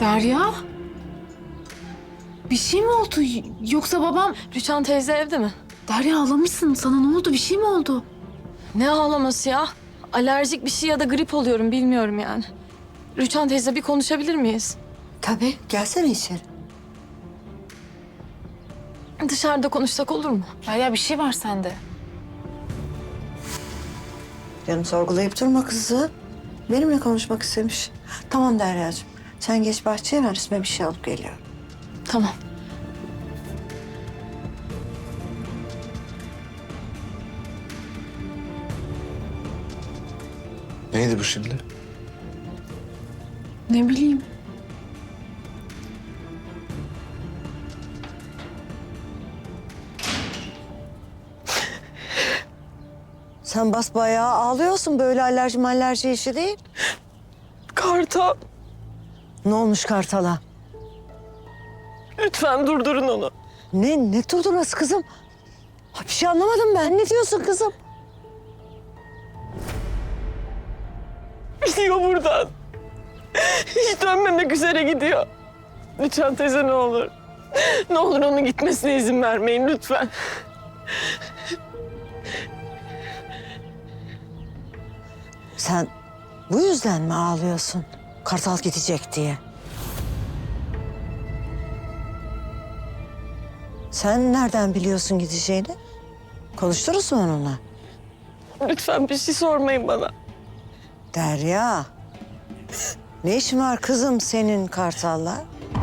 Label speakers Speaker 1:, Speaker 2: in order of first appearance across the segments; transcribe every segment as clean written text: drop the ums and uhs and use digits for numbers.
Speaker 1: Derya? Bir şey mi oldu? Yoksa babam...
Speaker 2: Rüçhan teyze evde mi?
Speaker 1: Derya ağlamışsın. Sana ne oldu? Bir şey mi oldu?
Speaker 2: Ne ağlaması ya? Alerjik bir şey ya da grip oluyorum bilmiyorum yani. Rüçhan teyze bir konuşabilir miyiz?
Speaker 3: Tabii, gelsene içeri.
Speaker 2: Dışarıda konuşsak olur mu?
Speaker 1: Derya bir şey var sende.
Speaker 3: Canım sorgulayıp durma kızı. Benimle konuşmak istemiş. Tamam Derya'cığım. Sen geç bahçeye, ben üstüme bir şey alıp geliyorum.
Speaker 2: Tamam.
Speaker 4: Neydi bu şimdi?
Speaker 1: Ne bileyim.
Speaker 3: Sen basbayağı ağlıyorsun. Böyle alerji işi değil.
Speaker 2: Kartal,
Speaker 3: Ne olmuş Kartal'a?
Speaker 2: lütfen durdurun onu.
Speaker 3: Ne durdurması kızım? Ha, bir şey anlamadım ben. Ne diyorsun kızım?
Speaker 2: Gidiyor buradan. Hiç dönmemek üzere gidiyor. Rüçhan teyze ne olur. Ne olur onun gitmesine izin vermeyin lütfen.
Speaker 3: Sen bu yüzden mi ağlıyorsun? Kartal gidecek diye. Sen nereden biliyorsun gideceğini? Konuşturuz mu onunla?
Speaker 2: Lütfen bir şey sormayın bana.
Speaker 3: Derya. Ne işin var kızım senin Kartal'la?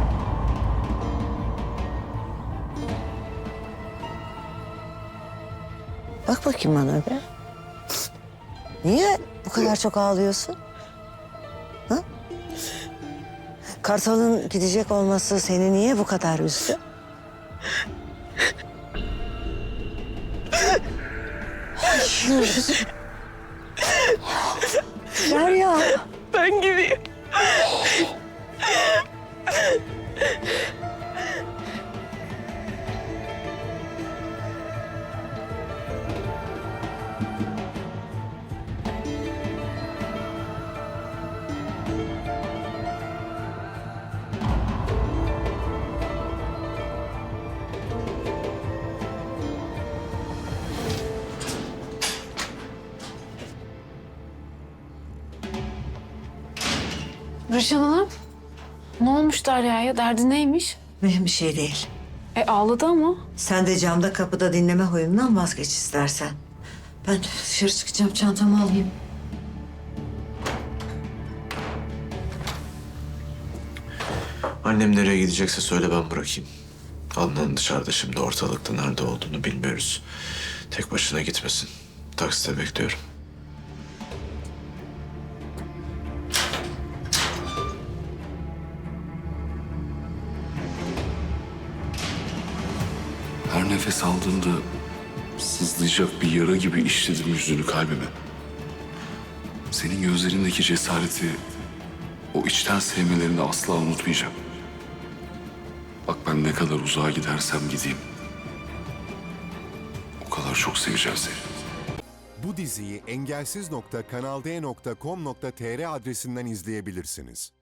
Speaker 3: Bak bakayım bana be. Niye bu kadar çok ağlıyorsun? Ha? Kartal'ın gidecek olması seni niye bu kadar üzdü? Derya.
Speaker 2: Ben gideyim.
Speaker 1: Rüçhan Hanım. Ne olmuş Derya'ya? Derdi neymiş?
Speaker 3: Mühim bir şey değil.
Speaker 1: Ağladı ama.
Speaker 3: Sen de camda kapıda dinleme huyundan vazgeç istersen. Ben dışarı çıkacağım, çantamı alayım.
Speaker 4: Annem nereye gidecekse söyle, ben bırakayım. Adnan dışarıda şimdi, ortalıkta nerede olduğunu bilmiyoruz. Tek başına gitmesin. Takside bekliyorum.
Speaker 5: Her nefes aldığımda sızlayacak bir yara gibi işledim yüzünü kalbime. Senin gözlerindeki cesareti, o içten sevmelerini asla unutmayacağım. Bak ben ne kadar uzağa gidersem gideyim, o kadar çok seveceğim seni.
Speaker 6: Bu diziyi engelsiz.kanalde.com.tr adresinden izleyebilirsiniz.